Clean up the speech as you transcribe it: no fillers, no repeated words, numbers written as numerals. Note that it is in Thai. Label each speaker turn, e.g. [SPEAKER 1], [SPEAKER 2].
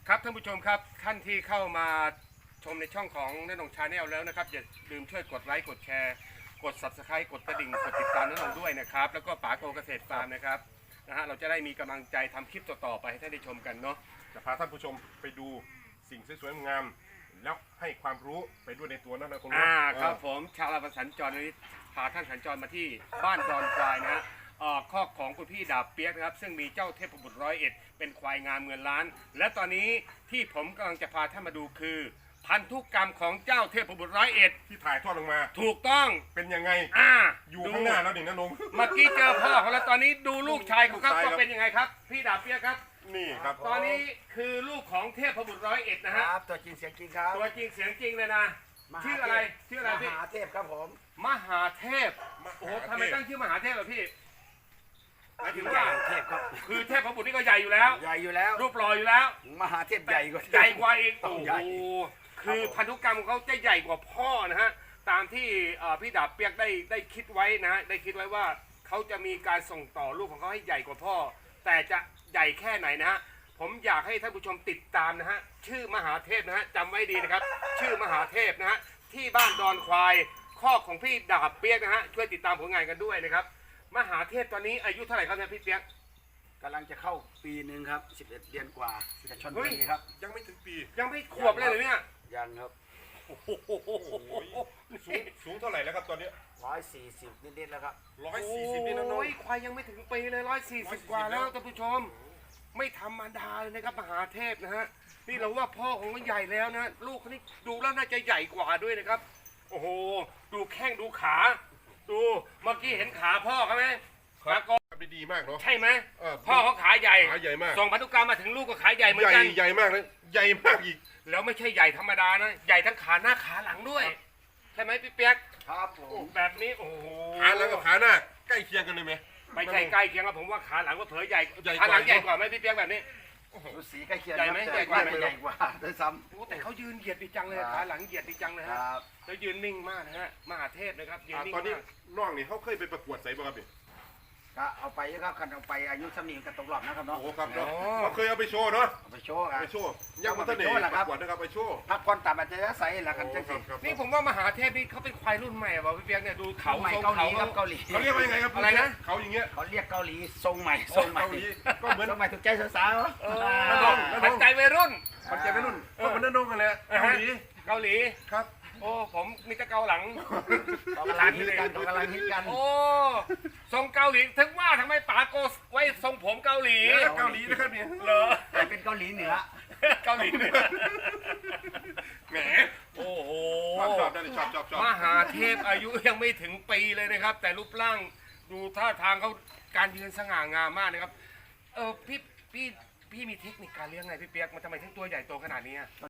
[SPEAKER 1] ครับท่านผู้ชมครับท่านที่เข้ามาชมในช่องของณนงชาแนลแล้วนะครับอย่าลืมช่วยกดไลค์กดแชร์กด Subscribe กดกระดิ่งกดติดตามณนงด้วยนะครับแล้วก็ป๋าโกเกษตรฟาร์มนะครับเราจะได้มีกำลังใจทำคลิปต่อๆไปให้ท่านได้ชมกันเนาะ
[SPEAKER 2] จะพาท่านผู้ชมไปดูสิ่งสวยๆงามแล้วให้ความรู้ไปด้วยในตัวนั่นนะคุณ
[SPEAKER 1] ครับผมชาวสัญจรนี้พาท่านสัญจรมาที่บ้านดอนควายนะฮะคอกของคุณพี่ดาบเปียกนะครับซึ่งมีเจ้าเทพบุตร101เป็นควายงามเงินล้านและตอนนี้ที่ผมกำลังจะพาท่านมาดูคือพันธุกรรมของเจ้าเทพบุตร101
[SPEAKER 2] ที่ถ่ายทอดลงมา
[SPEAKER 1] ถูกต้อง
[SPEAKER 2] เป็นยังไงอยู่ข้างหน้าแล้วนี่นะนง
[SPEAKER 1] เมื่อกี้เจอพ่อเขาแล้วตอนนี้ดูลูกชายของเขาก็เป็นยังไงครับพี่ดาบเปียกครับ
[SPEAKER 2] นี่ครับ
[SPEAKER 1] ตอนนี้คือลูกของเทพบุตร101นะฮะ
[SPEAKER 3] ตัวจริงเสียงจริงครับ
[SPEAKER 1] ตัวจริงเสียงจริงเลยนะชื่ออะไรพี่
[SPEAKER 3] มหาเทพครับผม
[SPEAKER 1] มหาเทพโอ้โหทำไมตั้งชื่อมหาเทพล่ะพี่หมายถึงว่า
[SPEAKER 3] เทพครับ
[SPEAKER 1] คือเทพพระบุตรนี่ก็ใหญ่อยู่แล้ว
[SPEAKER 3] ใหญ่อยู่แล้ว
[SPEAKER 1] รูปหล่ออยู่แล้ว
[SPEAKER 3] มหาเทพใหญ่กว่า
[SPEAKER 1] อีกโอ้โหคือพันธุกรรมของเขาจะใหญ่กว่าพ่อนะฮะตามที่พี่ดาบเปียกได้คิดไว้นะฮะได้คิดไว้ว่าเขาจะมีการส่งต่อลูกของเขาให้ใหญ่กว่าพ่อแต่จะใหญ่แค่ไหนนะฮะผมอยากให้ท่านผู้ชมติดตามนะฮะชื่อมหาเทพนะฮะจำไว้ดีนะครับชื่อมหาเทพนะฮะที่บ้านดอนควายข้อของพี่ดาบเปียกนะฮะช่วยติดตามผลงานกันด้วยนะครับมหาเทพตอนนี้อายุเท่าไหร่ครับเนี่ยพี่เปียก
[SPEAKER 3] กำลังจะเข้าปีหนึ่งครับ11 เดือนกว่าจะชนปีครับ
[SPEAKER 2] ยังไม่ถึงปี
[SPEAKER 1] ยังไม่ขวบเลยเหรอเนี่ย
[SPEAKER 3] ยังครับ
[SPEAKER 2] สูงเท่าไหร่แล้วครับตอนนี้
[SPEAKER 3] 140นิดๆแล้วครับ
[SPEAKER 2] 140นี่นะน้อง
[SPEAKER 1] ควายยังไม่ถึงปีเลย140กว่าแล้วท่านผู้ชมไม่ธรรมดาเลยนะครับมหาเทพนะฮะนี่เราว่าพ่อของมันใหญ่แล้วนะลูกเขานี่ดูแล้วน่าจะใหญ่กว่าด้วยนะครับโอ้โหดูแข้งดูขาดูเมื่อกี้เห็นขาพ่อเขาไหม
[SPEAKER 2] ขาก็ดีมากเนาะ
[SPEAKER 1] ใช่ไหมพ่อเขาขาใหญ่
[SPEAKER 2] มาก
[SPEAKER 1] ส่งพันธุกรรมมาถึงลูกก็ขาใหญ่เหมือนกัน
[SPEAKER 2] ใหญ่มากเลยใหญ่มากอีก
[SPEAKER 1] แล้วไม่ใช่ใหญ่ธรรมดานะใหญ่ทั้งขาหน้าขาหลังด้วยใช่ไหมพี่เปียก
[SPEAKER 3] ครับผม
[SPEAKER 1] แบบนี้โอ้โห
[SPEAKER 2] ขาหลังกับขาหน้าใกล้เคียงกันเลยไหม
[SPEAKER 1] ไม่ใช่ใกล้เคียงครับผมว่าขาหลังก็เผยใหญ่ขาหลังใหญ่กว่าไหมพี่เปียกแบบนี้
[SPEAKER 3] สีใกล้เคียง
[SPEAKER 1] ใหญ่ไหมใหญ่กว่า
[SPEAKER 3] ด้วยซ้
[SPEAKER 1] ำแต่เขายืนเหยียดดีจังเลยขาหลังเหยียดดีจังเลยฮะแล้วยืนนิ่งมากนะฮะมหาเทพนะครับยืนนิ่ง
[SPEAKER 2] ตอนนี้น้องนี่เขาเคยไปประกวดใส่บ้างครับพี่
[SPEAKER 3] ก็เอาไปครับคันเอาไปอายุสำนีกันตกรอบนะครับเนาะ
[SPEAKER 2] โอ้ครับเนาะเคยเอาไปโชว์เนาะ
[SPEAKER 3] ไปโชว์ครับ
[SPEAKER 2] ไปโชว์ยังมาเตะประกวดนะครับไปโชว์
[SPEAKER 3] พักผ่อนตามอัจฉริยะใส่ละกันจังสิ
[SPEAKER 1] นี่ผมว่ามหาเทพนี่เขาเป็นควายรุ่นใหม่ป่ะพี่เปียกเนี่ยดูเขา
[SPEAKER 3] ใหม่เกาหลีครับเกาหลี
[SPEAKER 2] เขาเรียกว่ายังไงครับ
[SPEAKER 1] อะไรนะ
[SPEAKER 2] เขาอย่างเงี้ย
[SPEAKER 3] เขาเรียกเกาหลีทรงใหม่ทรงใหม่
[SPEAKER 2] ก็เหมือน
[SPEAKER 3] ทรงใหม่ถูกใจสาว
[SPEAKER 1] ๆปัจจัยวัยรุ่น
[SPEAKER 2] ปัจจัยวัยรุ่นก็เหมือนนั่นน้องกันแหละ
[SPEAKER 1] เกาหลี
[SPEAKER 2] ครับ
[SPEAKER 1] โอ้ผมมีแต่เกาหลัง
[SPEAKER 3] กำลังฮิตกัน
[SPEAKER 1] โอ้ทรงเกาหลีถึงว่าทำไมป๋าโกไว้ทรงผมเกาหลี
[SPEAKER 2] นะครับเนี่ย
[SPEAKER 1] เหรอ
[SPEAKER 3] แต่เป็นเกาหลีเหนือ
[SPEAKER 1] เกาหลีเหนือแหมโอ้โห
[SPEAKER 2] ชอบ
[SPEAKER 1] มหาเทพอายุยังไม่ถึงปีเลยนะครับแต่รูปร่างดูท่าทางเขาการยืนสง่างามมากนะครับพี่มีเทคนิคการเลี้ยงไงพี่เปียกมันทำไมถึงตัวใหญ่โตขนาดนี้